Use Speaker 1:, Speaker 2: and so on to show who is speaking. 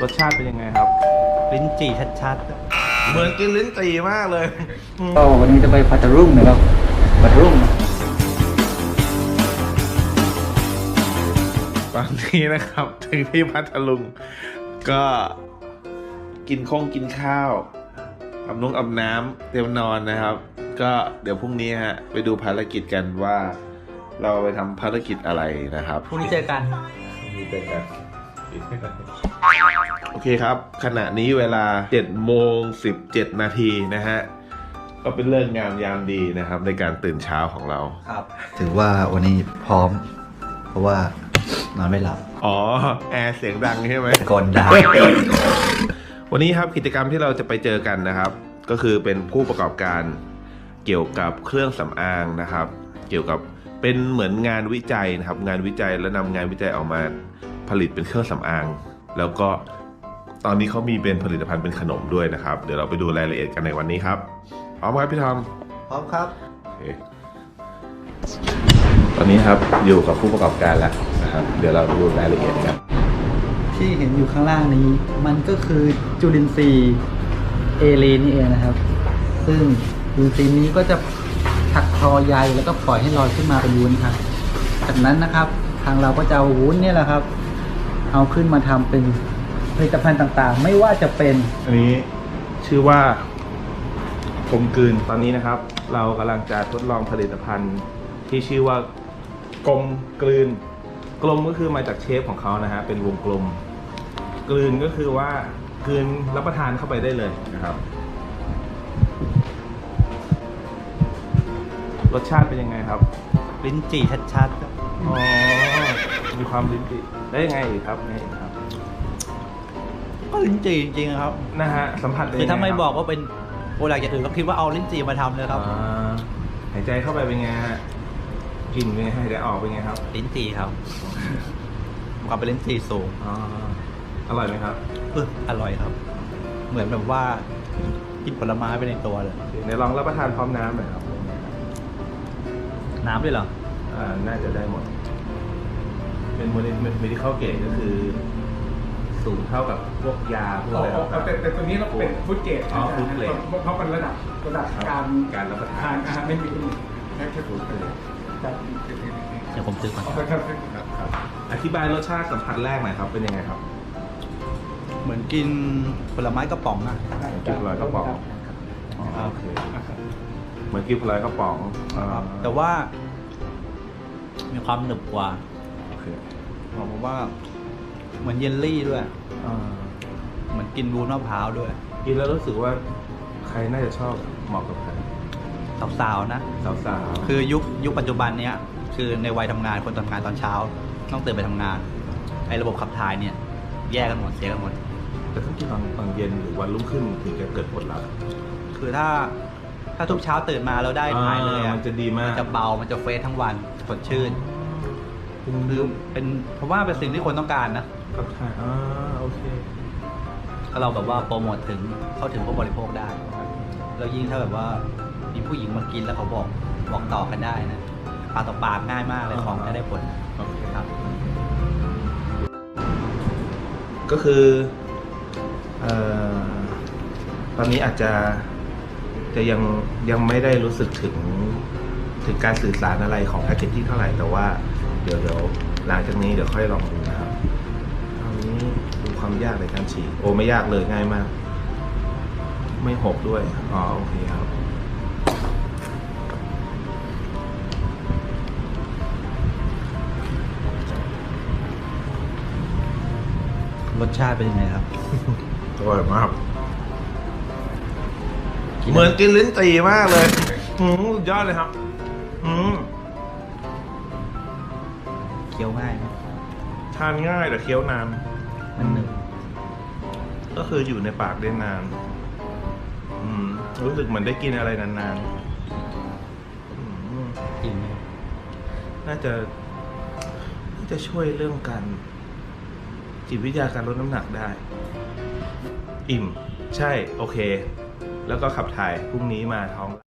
Speaker 1: สชาติเป็นยังไงครับ
Speaker 2: ลิ้นจี่ชัดๆ
Speaker 1: เหมือนกินลิ้นจี่มากเลย
Speaker 2: ก็วันนี้จะไปพัทลุงนะครับพัทลุง
Speaker 1: ตอนนี้นะครับถึงที่พัทลุงก็กินข้าวอาบน้ำเตรียมนอนนะครับ ก็เดี๋ยวพรุ่งนี้ฮะไปดูภารกิจกันว่าเราไปทำภารกิจอะไรนะครับ
Speaker 2: พรุ่งนี้เจอกัน
Speaker 1: โอเคครับขณะนี้เวลา 7:17 นาทีนะฮะก็เป็นเรื่องงามยามดีนะครับในการตื่นเช้าของเรา
Speaker 2: ครับถือว่าวันนี้พร้อมเพราะว่านอนไม่หลับ
Speaker 1: อ๋อแอร์เสียงดังใช่ไหม
Speaker 2: กลดัง
Speaker 1: วันนี้ครับกิจกรรมที่เราจะไปเจอกันนะครับก็คือเป็นผู้ประกอบการเกี่ยวกับเครื่องสำอางนะครับเกี่ยวกับเป็นเหมือนงานวิจัยนะครับงานวิจัยแล้วนำงานวิจัยออกมาผลิตเป็นเครื่องสำอางแล้วก็ตอนนี้เขามีเป็นผลิตภัณฑ์เป็นขนมด้วยนะครับเดี๋ยวเราไปดูรายละเอียดกันในวันนี้ครับพร้อมครับพี่ทอม
Speaker 2: พร้อมครับ
Speaker 1: โอเคตอนนี้ครับอยู่กับผู้ประกอบการแล้วนะครับเดี๋ยวเราดูรายละเอียดกัน
Speaker 2: ที่เห็นอยู่ข้างล่างนี้มันก็คือจุลินทรีย์เอเลนนี่เองนะครับซึ่งจุลินทรีย์นี้ก็จะถักทอใยแล้วก็ปล่อยให้ลอยขึ้นมาเป็นวุ้นครับจากนั้นนะครับทางเราก็จะเอาวุ้นเนี่ยแหละครับเอาขึ้นมาทำเป็นผลิตภัณฑ์ต่างๆไม่ว่าจะเป็น
Speaker 1: อันนี้ชื่อว่ากลมกลืนตอนนี้นะครับเรากำลังจะทดลองผลิตภัณฑ์ที่ชื่อว่ากลมกลืนกลมก็คือมาจากเชฟของเขานะฮะเป็นวงกลมกลืนก็คือว่ากลืนรับประทานเข้าไปได้เลยนะครับรสชาติเป็นยังไงครับ
Speaker 2: ลิ้นจี่ชัด
Speaker 1: ๆอ๋อมีความลิ้นจี่ได้ยังไงอีกครับไงครับ
Speaker 2: ก็ลิ้นจี่จริงๆครับ
Speaker 1: นะฮะสัมผัส
Speaker 2: คือถ้าไม่บอกว่าเป็นโปรดักต์อย่างอื่นก็คิดว่าเอาลิ้นจี่มาทำเลยครับ
Speaker 1: หายใจเข้าไปเป็นไงฮะกลิ่นเป็นไงหายใจออกเป็นไงครับ
Speaker 2: ลิ้นจี่ครับความเป็นลิ้นจี่สูง
Speaker 1: อร่อยไหมครับ
Speaker 2: อร่อยครับเหมือนแบบว่ากินผลไม้ไปในตัวเลย
Speaker 1: เดี๋ยวลองรับประทานพร้อมน้ำหน่อยครับ
Speaker 2: น้ำด้วยเหรอ
Speaker 1: น่าจะได้หมดเป็นmedical gradeก็คือสูงเท่ากับพวกยาพวกอะไร
Speaker 3: แต่ตัวนี้เราเป็นฟู้ดเกรด
Speaker 1: ฟู้ดเกรด
Speaker 3: เพราะเป็นระดับ
Speaker 1: การรับประทาน
Speaker 3: อาหารไม่มีแค่ฟู้ดเกรด
Speaker 2: เดี๋ยวผมซื้อก่อน
Speaker 1: ครับอธิบายรสชาติสัมผัสแรกหน่อยครับเป็นยังไงครับ
Speaker 2: เหมือนกินผลไม้กระป๋องอะ
Speaker 1: กินผลไม้กระป๋องโอเคเหมือนกินผลไม้กระป๋อง
Speaker 2: แต่ว่ามีความหนึบกว่า
Speaker 1: โอเค
Speaker 2: ผมว่าเหมือนเยลลี่ด้วยเหมือนกินวุ้นมะพร้าวด้วย
Speaker 1: กินแล้วรู้สึกว่าใครน่าจะชอบเหมาะกับใคร
Speaker 2: สาวๆนะ
Speaker 1: สาว
Speaker 2: ๆคือยุคปัจจุบันเนี้ยคือในวัยทำงานคนทำงานตอนเช้าต้องตื่นไปทำงานไอ้ระบบขับถ่ายเนี่ยแยกกันหมดเสียกันหมด
Speaker 1: แต่ถ้ากินตอนเย็นหรือวันรุ่งขึ้นถึงจะเกิดผลลัพธ์
Speaker 2: คือถ้าทุกเช้าตื่นมาแล้วได้ถ่ายเลย
Speaker 1: มันจะดีมาก
Speaker 2: มันจะเบามันจะเฟรชทั้งวันสดชื่นคือเป็นเพราะว่าเป็นสิ่งที่คนต้องการนะ
Speaker 1: กับถ่ายโอเค
Speaker 2: ถ้าเราแบบว่าโปรโมทถึงเข้าถึงผู้บริโภคได้แล้วยิ่งถ้าแบบว่ามีผู้หญิงมากินแล้วเขาบอกต่อกันได้นะปากต่อปากง่ายมากเลยของจะได้ผล
Speaker 1: โอเค
Speaker 2: ครับ
Speaker 1: ก็คือตอนนี้อาจจะยังไม่ได้รู้สึกถึงการสื่อสารอะไรของแพคเกจจิ้งเท่าไหร่แต่ว่าเดี๋ยวหลังจากนี้เดี๋ยวค่อยลองดูนะครับตอนนี้ดูความยากในการฉีกโอ้ไม่ยากเลยง่ายมากไม่หกด้วยโอเคครับ
Speaker 2: รสชาติเป็นยังไงครับ
Speaker 1: อร่อยมากเหมือนกินลิ้นจี่มากเลยสุดยอดเลยครับ
Speaker 2: เคี้ยวง่ายไหม
Speaker 1: ทานง่ายแต่เคี้ยวนาน
Speaker 2: มันหนึบ
Speaker 1: ก็คืออยู่ในปากได้นานรู้สึกเหมือนได้กินอะไรนาน
Speaker 2: ๆกินไหม
Speaker 1: น่าจะช่วยเรื่องการจิตวิทยาการลดน้ำหนักได้อิ่มใช่โอเคแล้วก็ขับถ่ายพรุ่งนี้มาท้อง